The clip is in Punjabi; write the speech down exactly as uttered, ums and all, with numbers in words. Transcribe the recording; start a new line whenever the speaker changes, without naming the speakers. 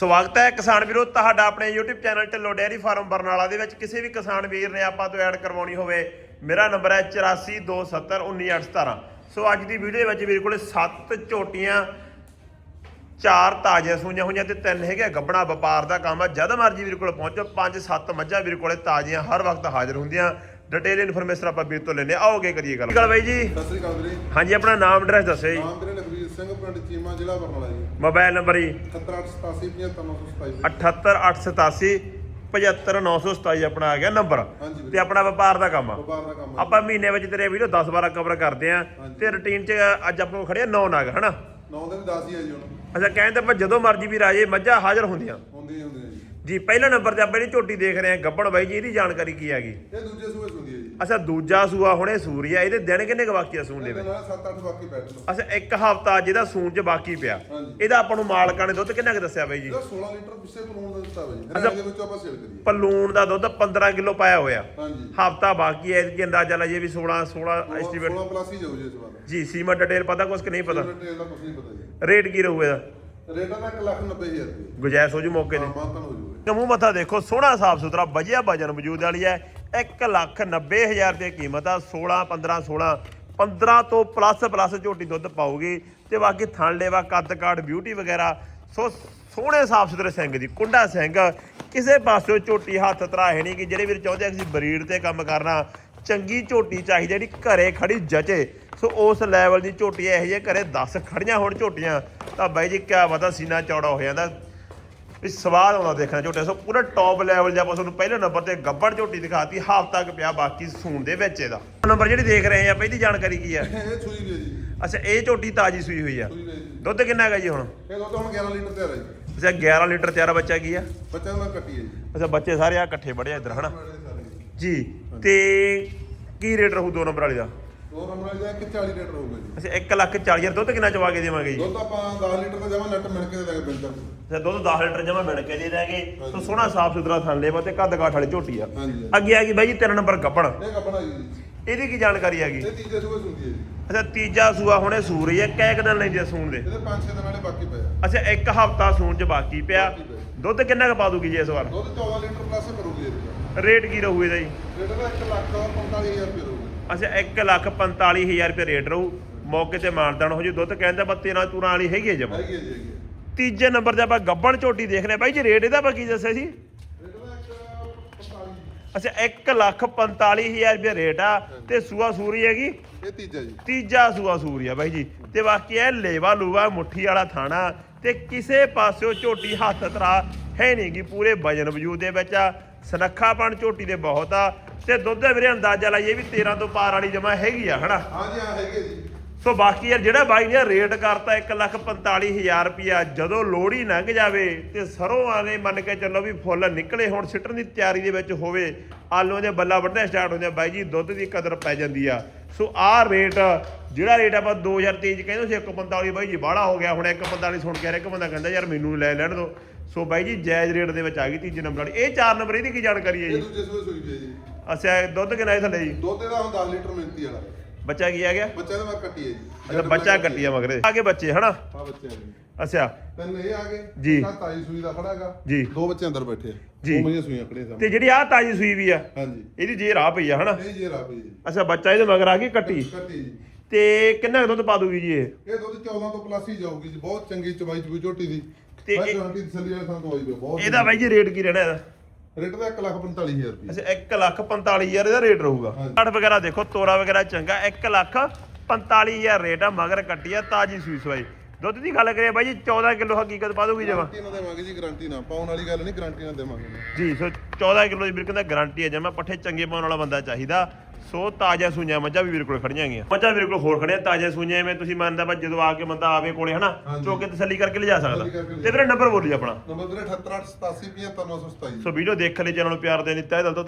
ਸਵਾਗਤ ਹੈ ਕਿਸਾਨ ਵੀਰੋ ਤੁਹਾਡਾ ਆਪਣੇ YouTube channel Dhillon dairy farm Barnala ਦੇ ਵਿੱਚ। ਕਿਸੇ ਵੀ ਕਿਸਾਨ ਵੀਰ ਨੇ ਆਪਾਂ ਤੋਂ ਐਡ ਕਰਵਾਉਣੀ ਹੋਵੇ, ਮੇਰਾ ਨੰਬਰ ਹੈ ਚੁਰਾਸੀ ਦੋ ਸੱਤਰ ਉੱਨੀ ਅੱਠ ਸਤਾਰਾਂ। ਸੋ ਅੱਜ ਦੀ ਵੀਡੀਓ ਵਿੱਚ ਵੀਰ ਕੋਲੇ ਸੱਤ ਝੋਟੀਆਂ, ਚਾਰ ਤਾਜ਼ੀਆਂ ਸੂਈਆਂ ਹੋਈਆਂ ਤੇ ਤਿੰਨ ਹੈਗੇ ਗੱਬਣਾ। ਵਪਾਰ ਦਾ ਕੰਮ ਆ, ਜਦ ਮਰਜੀ ਵੀਰ ਕੋਲ ਪਹੁੰਚੋ। ਪੰਜ ਸੱਤ ਮੱਝਾਂ ਵੀਰ ਕੋਲੇ ਤਾਜ਼ੀਆਂ ਹਰ ਵਕਤ ਹਾਜ਼ਰ ਹੁੰਦੀਆਂ। ਡਿਟੇਲ ਇਨਫੋਰਮੇਸ਼ਨ ਆਪਾਂ ਵੀਰ ਤੋਂ ਲੈਣੇ। ਆਓਗੇ ਕਰੀਏ ਗੱਲ। ਗੱਲ ਬਾਈ ਜੀ,
ਸਤਿ ਸ੍ਰੀ ਅਕਾਲ ਵੀਰੇ।
ਹਾਂਜੀ, ਆਪਣਾ ਨਾਮ ਐਡਰੈਸ ਦੱਸੋ ਜੀ।
ਨਾਮ ਵੀਰੇ ਲਖਵੀਰ ਸਿੰਘ, ਪਿੰਡ ਚੀਮਾ, ਜ਼ਿਲ੍ਹਾ ਬਰਨਾਲਾ ਜੀ।
ਮੋਬਾਈਲ ਨੰਬਰ ਜੀ
ਅਠੱਤਰ ਅੱਠ ਸਤਾਸੀ ਪਝੱਤਰ ਨੌ ਸੌ ਸਤਾਈ।
ਅਠੱਤਰ ਅੱਠ ਸਤਾਸੀ ਪਝੱਤਰ ਨੌ ਸੌ ਸਤਾਈ ਆਪਣਾ ਆ ਗਿਆ ਨੰਬਰ।
ਹਾਂਜੀ ਵੀਰੇ।
ਤੇ ਆਪਣਾ ਵਪਾਰ ਦਾ ਕੰਮ ਆ।
ਵਪਾਰ ਦਾ ਕੰਮ ਆ।
ਆਪਾਂ ਮਹੀਨੇ ਵਿੱਚ ਤੇਰੇ ਵੀਡੀਓ ਦਸ ਬਾਰਾਂ ਕਵਰ ਕਰਦੇ ਆ ਤੇ ਰੁਟੀਨ 'ਚ ਅੱਜ ਆਪਾਂ ਖੜੇ ਆ ਨੌ ਨਾਗ ਹਨਾ।
ਨੌ ਦਿਨ ਦਸ ਹੀ ਆ ਜੀ ਹੁਣ।
ਅੱਛਾ, ਕਹਿੰਦੇ ਆਪਾਂ ਜਦੋਂ ਮਰਜ਼ੀ ਵੀ ਰਾਜੇ ਮੱਝਾਂ ਹਾਜ਼ਰ ਹੁੰਦੀਆਂ
ਹੁੰਦੀ ਹੁੰਦੀ ਜੀ।
ਜੀ। ਪਹਿਲਾ ਨੰਬਰ ਤੇ ਆਪਾਂ ਜਿਹੜੀ ਝੋਟੀ ਦੇਖ ਰਹੇ ਆ ਗੱਬਣ ਬਾਈ ਜੀ, ਇਹਦੀ ਜਾਣਕਾਰੀ ਕੀ ਹੈਗੀ?
ਇਹ ਦੂਜੇ ਸੂਏ ਸੁੰਦੀ ਹੈ ਜੀ।
ਅੱਛਾ, ਦੂਜਾ ਸੂਆ ਹੁਣੇ ਸੂਰੀਆ। ਇਹਦੇ ਦਿਨ ਕਿੰਨੇ ਕੁ ਬਾਕੀ ਆ ਸੂਣ ਦੇ ਵਿੱਚ?
ਸੱਤ ਅੱਠ ਬਾਕੀ ਬੈਠ ਲਓ।
ਅੱਛਾ, ਇੱਕ ਹਫਤਾ ਜਿਹਦਾ ਸੂਣ 'ਚ ਬਾਕੀ ਪਿਆ।
ਹਾਂਜੀ।
ਇਹਦਾ ਆਪਾਂ ਨੂੰ ਮਾਲਕਾਂ ਨੇ ਦੁੱਧ ਕਿੰਨਾ ਕੁ ਦੱਸਿਆ ਬਾਈ ਜੀ?
ਇਹਦਾ ਸੋਲਾਂ ਲੀਟਰ ਪਿੱਛੇ ਪਲੂਣ ਦਾ ਦਿੱਤਾ ਵਾ ਜੀ। ਹਰਿਆਣੇ ਦੇ ਵਿੱਚੋਂ ਆਪਾਂ ਸੇਲ ਕਰੀਏ।
ਪਲੂਣ ਦਾ ਦੁੱਧ ਪੰਦਰਾਂ ਕਿਲੋ ਪਾਇਆ ਹੋਇਆ।
ਹਾਂਜੀ।
ਹਫਤਾ ਬਾਕੀ ਹੈ। ਇਹਦੀ ਅੰਦਾਜ਼ਾ ਲਾਈਏ ਵੀ ਸੋਲਾਂ ਸੋਲਾਂ ਐਸਟੀਮੇਟ
ਸੋਲਾਂ ਪਲੱਸ ਹੀ ਜਾਊ ਜੀ ਇਸ ਵਾਰ
ਜੀ। ਸੀਮਾ ਡਿਟੇਲ ਪਤਾ ਕੁਛ ਕਿ ਨਹੀਂ ਪਤਾ?
ਡਿਟੇਲ ਦਾ ਕੁਝ ਨਹੀਂ ਪਤਾ ਜੀ।
ਰੇਟ ਕੀ ਰਹੂ ਇਹਦਾ?
ਰੇਟ ਦਾ ਇੱਕ ਲੱਖ ਨੱਬੇ ਹਜ਼ਾਰ ਰੁਪਏ।
ਗੁਜਾਇਸ਼ ਹੋ ਜੂ ਮੌਕੇ ਤੇ?
ਹਾਂ, ਮਾਨਤਾਨ ਹੋ ਜੂਗਾ।
ਮੂੰਹ ਮੱਥਾ ਦੇਖੋ, ਸੋਹਣਾ ਸਾਫ ਸੁਥਰਾ ਵਧੀਆ ਵਜਨ ਵਜੂਦ ਵਾਲੀ ਹੈ। ਇੱਕ ਲੱਖ ਨੱਬੇ ਹਜ਼ਾਰ ਰੁਪਏ ਕੀਮਤ ਆ। ਸੋਲਾਂ ਪੰਦਰਾਂ ਸੋਲਾਂ ਪੰਦਰਾਂ ਤੋਂ ਪਲੱਸ ਪਲੱਸ ਝੋਟੀ ਦੁੱਧ ਪਾਊਗੀ। ਤੇ ਬਾਕੀ ਥਣ ਲੇਵਾ, ਕੱਦ ਕਾਠ, ਬਿਊਟੀ ਵਗੈਰਾ ਸੋ ਸੋਹਣੇ ਸਾਫ ਸੁਥਰੇ ਸਿੰਘ ਦੀ ਕੁੰਡਾ ਸਿੰਘ। ਕਿਸੇ ਪਾਸਿਓਂ ਝੋਟੀ ਹੱਥ ਧਰਾਹੇ ਨਹੀਂ ਕਿ ਜਿਹੜੇ ਵੀਰ ਚਾਹੁੰਦੇ ਅਸੀਂ ਬਰੀਡ ਤੇ ਕੰਮ ਕਰਨਾ। ਚੰਗੀ ਝੋਟੀ ਚਾਹੀਦੀ ਜਿਹੜੀ ਘਰੇ ਖੜੀ ਜਚੇ। ਸੋ ਉਸ ਲੈਵਲ ਦੀ ਝੋਟੀ ਇਹੋ ਜਿਹੇ ਘਰੇ ਦਸ ਖੜੀਆਂ ਹੋਣ ਝੋਟੀਆਂ ਤਾਂ ਬਾਈ ਜੀ ਕਿਆ ਪਤਾ ਸੀਨਾ ਚੌੜਾ ਹੋ ਜਾਂਦਾ ਵੀ ਸਵਾਦ ਆਉਂਦਾ ਦੇਖਣਾ ਝੋਟੇ। ਸੋ ਪੂਰਾ ਟੌਪ ਲੈਵਲ ਜਾਂ ਆਪਾਂ ਤੁਹਾਨੂੰ ਪਹਿਲੇ ਨੰਬਰ ਤੇ ਗੱਬੜ ਝੋਟੀ ਦਿਖਾਤੀ। ਹਾਫ ਤੱਕ ਪਿਆ ਬਾਕੀ ਸੂਣ ਦੇ ਵਿੱਚ। ਇਹਦਾ ਨੰਬਰ ਜਿਹੜੀ ਦੇਖ ਰਹੇ ਆ ਪਹਿਲੀ ਜਾਣਕਾਰੀ ਕੀ ਆ?
ਇਹ ਸੂਈ ਵੀ ਹੈ ਜੀ।
ਅੱਛਾ, ਇਹ ਝੋਟੀ ਤਾਜੀ ਸੂਈ ਹੋਈ ਆ।
ਸੂਈ ਵੀ ਹੈ ਜੀ।
ਦੁੱਧ ਕਿੰਨਾ ਹੈਗਾ ਜੀ ਹੁਣ?
ਇਹ ਦੁੱਧ ਹੁਣ ਗਿਆਰਾਂ ਲੀਟਰ ਤਿਆਰ ਹੈ ਜੀ।
ਅੱਛਾ, ਗਿਆਰਾਂ ਲੀਟਰ ਤਿਆਰ। ਬੱਚਾ ਕੀ ਆ?
ਬੱਚਾ ਮੈਂ ਕੱਟੀ ਹੈ ਜੀ।
ਅੱਛਾ, ਬੱਚੇ ਸਾਰੇ ਆ ਇਕੱਠੇ ਬੜੇ ਇੱਧਰ ਹਨਾ
ਸਾਰੇ
ਜੀ। ਤੇ ਕੀ ਰੇਟ ਰਹੂ ਦੋ ਨੰਬਰ ਵਾਲੀ ਦਾ?
ਦੋ ਨੰਬਰ ਵਾਲੀ ਦਾ ਇੱਕ ਚਾਲੀ ਲੀਟਰ ਹੋਊਗਾ ਜੀ।
ਅੱਛਾ, ਇੱਕ ਲੱਖ ਚਾਲੀ ਹਜ਼ਾਰ। ਦੁੱਧ ਕਿੰਨਾ ਚਵਾ ਕੇ ਦੇਵਾਂਗੇ ਜੀ?
ਦੁੱਧ ਆਪਾਂ ਦਸ ਲੀਟਰ ਦਾ ਜਮਾ ਨੱਟ ਮਿਲ ਕੇ ਦੇ ਦਾਂਗੇ ਬਿਲਕੁਲ।
ਅੱਛਾ, ਦੁੱਧ ਦਸ ਲੀਟਰ ਜਮਾ ਮਿਲ ਕੇ ਦੇ ਦਾਂਗੇ। ਸੋ ਸੋਹਣਾ ਸਾਫ ਸੁਥਰਾ ਥਣ ਲੇਵਾ ਤੇ ਕੱਦ ਕਾਠ ਵਾਲੀ ਝੋਟੀ ਆ।
ਹਾਂਜੀ।
ਅੱਗੇ ਆ ਗਈ ਬਾਈ ਜੀ ਤਿੰਨ ਨੰਬਰ ਗੱਬਣ।
ਇਹ ਕੱਪੜਾ ਜੀ।
ਇਹਦੀ ਕੀ ਜਾਣਕਾਰੀ ਹੈਗੀ?
ਇਹ ਤੀਜੇ ਸੂਏ ਸੁਣਦੀ ਹੈ ਜੀ।
ਅੱਛਾ, ਤੀਜਾ ਸੂਆ ਹੁਣੇ ਸੂਰ ਰਹੀ ਹੈ। ਕੈ ਕੁ ਦਿਨ ਲੈਂਦੀ ਆ ਸੂਣ ਦੇ?
ਇਹਦੇ ਪੰਜ ਛੇ ਦਿਨ ਵਾਲੇ ਬਾਕੀ ਪਏ ਆ।
ਅੱਛਾ, ਇੱਕ ਹਫਤਾ ਸੂਣ ਚ ਬਾਕੀ ਪਿਆ।
ਬਾਕੀ ਪਏ।
ਦੁੱਧ ਕਿੰਨਾ ਕੁ ਪਾ ਦੂਗੀ ਜੀ ਇਸ ਵਾਰ?
ਦੁੱਧ ਚੌਦਾਂ ਲੀਟਰ ਪਲੱਸ ਕਰੂਗੀ ਇਹਦਾ।
ਰੇਟ ਕੀ ਰਹੂ ਇਹਦਾ ਜੀ?
ਰੇਟ ਦਾ ਇੱਕ ਲੱਖ ਪੰਤਾਲੀ ਹਜ਼ਾਰ ਰੁਪਏ ਰਹੂਗਾ।
ਅੱਛਾ, ਇੱਕ ਲੱਖ ਪੰਤਾਲੀ ਹਜ਼ਾਰ ਰੁਪਏ ਰੇਟ ਰਹੂ। ਮੌਕੇ ਤੇ ਮਾਨਦਾਨ ਹੋ ਜੂ। ਦੁੱਧ ਕਹਿੰਦਾ ਬਾ ਤੇਰਾਂ ਤੂਰਾਂ ਵਾਲੀ ਹੈਗੀ ਹੈ ਜਮਾ।
ਹੈਗੀ ਹੈ ਜੀ, ਹੈਗੀ ਹੈ।
ਤੀਜੇ ਨੰਬਰ ਤੇ ਆਪਾਂ ਗੱਬਣ ਝੋਟੀ ਦੇਖ ਰਹੇ ਬਾਈ ਜੀ। ਰੇਟ ਇਹਦਾ ਆਪਾਂ ਕੀ ਦੱਸਿਆ ਸੀ?
ਰੇਟ ਦਾ ਇੱਕ ਪੰਤਾਲੀ।
ਅੱਛਾ, ਇੱਕ ਲੱਖ ਪੰਤਾਲੀ ਹਜ਼ਾਰ ਰੁਪਏ ਰੇਟ ਆ। ਤੇ ਸੂਆ ਸੂਰੀ ਹੈਗੀ?
ਇਹ ਤੀਜਾ ਜੀ।
ਤੀਜਾ ਸੂਆ ਸੂਰੀ ਆ ਬਾਈ ਜੀ। ਤੇ ਬਾਕੀ ਇਹ ਲੇਵਾ ਲੂਵਾ ਮੁੱਠੀ ਵਾਲਾ ਥਾਣਾ ਤੇ ਕਿਸੇ ਪਾਸਿਓ ਝੋਟੀ ਹੱਥ ਧਰਾ ਹੈ ਨਹੀਂ ਗੀ। ਪੂਰੇ ਵਜਨ ਵਜੂਦ ਦੇ ਵਿੱਚ ਆ। ਸਨੱਖਾਪਣ ਝੋਟੀ ਦੇ ਬਹੁਤ ਆ। ਤੇ ਦੁੱਧ ਦੇ ਵੀਰੇ ਅੰਦਾਜ਼ਾ ਲਾਈਏ ਵੀ ਤੇਰਾਂ ਤੋਂ ਪਾਰ ਵਾਲੀ ਜਮਾ ਹੈਗੀ ਆ ਹਨਾ।
ਹਾਂਜੀ ਹਾਂ, ਹੈਗੇ ਜੀ।
ਸੋ ਬਾਕੀ ਯਾਰ ਜਿਹੜਾ ਬਾਈ ਨੇ ਰੇਟ ਕਰਤਾ ਇੱਕ ਲੱਖ ਪੰਤਾਲੀ ਹਜ਼ਾਰ ਰੁਪਇਆ, ਜਦੋਂ ਲੋਹੜੀ ਲੰਘ ਜਾਵੇ ਤੇ ਸਰੋਂ ਵਾਲੇ ਮੰਨ ਕੇ ਚੱਲੋ ਵੀ ਫੁੱਲ ਨਿਕਲੇ ਹੁਣ ਸਿੱਟਣ ਦੀ ਤਿਆਰੀ ਦੇ ਵਿੱਚ ਹੋਵੇ, ਆਲੂਆਂ ਦੇ ਬੱਲਾ ਵੱਢਣੇ ਸਟਾਰਟ ਹੁੰਦੇ ਆ ਬਾਈ ਜੀ, ਦੁੱਧ ਦੀ ਕਦਰ ਪੈ ਜਾਂਦੀ ਆ। ਸੋ ਆਹ ਰੇਟ ਜਿਹੜਾ ਰੇਟ ਆਪਾਂ ਦੋ ਹਜ਼ਾਰ ਤੇਈ ਚ ਕਹਿੰਦੇ ਸੀ ਇੱਕ ਪੰਤਾਲੀ, ਬਾਈ ਜੀ ਬਾਹਲਾ ਹੋ ਗਿਆ। ਹੁਣ ਇੱਕ ਪੰਤਾਲੀ ਸੁਣ ਕੇ ਇੱਕ ਬੰਦਾ ਕਹਿੰਦਾ ਯਾਰ ਮੈਨੂੰ ਲੈ ਲੈਣ ਦੋ। ਸੋ ਬਾਈ ਜੀ ਜਾਇਜ਼ ਰੇਟ ਦੇ ਵਿੱਚ ਆ ਗਈ ਤੀਜੇ ਨੰਬਰ ਵਾਲੀ। ਇਹ ਚਾਰ ਨੰਬਰ ਇਹਦੀ ਕੀ ਜਾਣਕਾਰੀ ਹੈ
ਇਹ
ਜੀ?
ਦੂਜੇ ਸੂਏ ਸੂਈ ਪਈ ਜੀ।
ਅੱਛਾ, ਦੁੱਧ ਕਿੰਨਾ ਇਹ ਥੱਲੇ ਜੀ?
ਦੁੱਧ ਇਹਦਾ ਹੁਣ ਦਸ ਲੀਟਰ ਮਿਲਦੀ ਵਾਲਾ।
ਬੱਚਾ ਕੀ ਆ ਗਿਆ?
ਬੱਚਾ ਤਾਂ ਮੈਂ ਕੱਟੀ ਹੈ ਜੀ।
ਅੱਛਾ, ਬੱਚਾ ਕੱਟੀ ਆ ਮਗਰੇ ਆ ਕੇ ਬੱਚੇ ਹਨਾ।
ਹਾਂ, ਬੱਚੇ ਆ ਗਏ।
ਅੱਛਾ
ਤਿੰਨ ਇਹ ਆ ਗਏ
ਜੀ।
ਇੱਕ ਤਾਈ ਸੂਈ ਦਾ ਖੜਾ ਹੈਗਾ
ਜੀ।
ਦੋ ਬੱਚੇ ਅੰਦਰ ਬੈਠੇ ਆ।
ਜੀ।
ਦੋ ਮਈਆਂ ਸੂਈਆਂ ਖੜੀਆਂ
ਤੇ
ਸਾਹਮਣੇ।
ਜਿਹੜੀ ਆਹ ਤਾਜੀ ਸੂਈ ਵੀ ਆ
ਹਾਂਜੀ।
ਇਹਦੀ ਜੇ ਰਾਹ ਪਈ ਆ ਹਨਾ।
ਇਹ ਜੇ ਰਾ ਪਈ ਜੀ।
ਅੱਛਾ, ਬੱਚਾ ਇਹਦੇ ਮਗਰ ਆ ਗਈ ਕੱਟੀ।
ਕੱਟੀ ਜੀ।
ਤੇ ਕਿੰਨਾ ਕੁ ਦੁੱਧ ਪਾ ਦੂਗੀ ਜੀ ਇਹ?
ਇਹ ਦੁੱਧ ਚੌਦਾਂ ਤੋਂ ਪਲੱਸ ਹੀ ਜਾਊਗੀ ਜੀ। ਬਹੁਤ ਚੰਗੀ ਚਵਾਈ ਚੂਈ ਝੋਟੀ ਦੀ।
ਤੇ
ਮੈਂ
ਇਹ-
ਗਾਰੰਟੀ ਤਸੱਲੀ ਵਾਲੇ ਸਾਨੂੰ ਦਵਾਈ ਦਿਓ। ਬਹੁਤ
ਇਹਦਾ ਬਾਈ ਜੀ ਰੇਟ ਕੀ ਰਹਿਣਾ ਇਹਦਾ?
ਰੇਟ ਦਾ ਇੱਕ ਲੱਖ ਪੰਤਾਲੀ ਹਜ਼ਾਰ ਰੁਪਏ।
ਅੱਛਾ, ਇੱਕ ਲੱਖ ਪੰਤਾਲੀ ਹਜ਼ਾਰ ਇਹਦਾ ਰੇਟ ਰਹੂਗਾ।
ਹਾਂਜੀ।
ਕੱਟ ਵਗੈਰਾ ਦੇਖੋ, ਤੋਰਾ ਵਗੈਰਾ ਚੰਗਾ। ਇੱਕ ਲੱਖ ਪੰਤਾਲੀ ਹਜ਼ਾਰ ਰੇਟ ਆ। ਮਗਰ ਕੱਟੀ ਆ ਤਾਜੀ ਸੂਈ ਸਵਾਈ। ਦੁੱਧ ਦੀ ਗੱਲ ਕਰੀਏ ਬਾਈ ਜੀ ਚੌਦਾਂ ਕਿਲੋ ਹਕੀਕਤ ਪਾ ਦੂਗੀ ਜਮਾ?
ਗਾਰੰਟੀ ਨਾਲ ਦੇਵਾਂਗੇ ਜੀ, ਗਾਰੰਟੀ ਨਾਲ ਪਾਉਣ ਵਾਲੀ ਗੱਲ ਨਹੀਂ, ਗਾਰੰਟੀ ਨਾਲ ਦੇਵਾਂਗੇ
ਜੀ। ਸੋ ਚੌਦਾਂ ਕਿਲੋ ਦੀ ਵੀਰ ਕਹਿੰਦਾ ਗਾਰੰਟੀ ਹੈ ਜਮਾ। ਪੱਠੇ ਚੰਗੇ ਪਾਉਣ ਵਾਲਾ ਬੰਦਾ ਚਾਹੀਦਾ। ਸੋ ਤਾਜ਼ਾ ਸੂਈਆਂ ਮੱਝਾਂ ਵੀ ਵੀਰ ਕੋਲ ਖੜੀਆਂ ਗਈਆਂ। ਮੱਝਾਂ ਵੀਰ ਕੋਲ ਹੋਰ ਖੜੀਆਂ ਤਾਜ਼ਾ ਸੂਈਆਂ। ਐਵੇਂ ਤੁਸੀਂ ਮੰਨਦਾ ਬਾ ਜਦੋਂ ਆ ਕੇ ਬੰਦਾ ਆਵੇ ਕੋਲੇ ਹਨਾ ਚੋਕੇ ਤਸੱਲੀ ਕਰਕੇ ਲਿਜਾ ਸਕਦਾ। ਤੇ ਵੀਰੇ ਨੰਬਰ ਬੋਲੀ ਆਪਣਾ।
ਨੰਬਰ ਵੀਰੇ ਅਠੱਤਰ ਅੱਠ ਸਤਾਸੀ ਪਝੱਤਰ ਨੌ ਸੌ ਸਤਾਈ।
ਸੋ ਵੀਡੀਓ ਦੇਖ ਲਈ, ਚੈਨਲ ਨੂੰ ਪਿਆਰ ਦੇ ਦਿੱਤਾ ਇਹ ਦਿਲ ਤੋਂ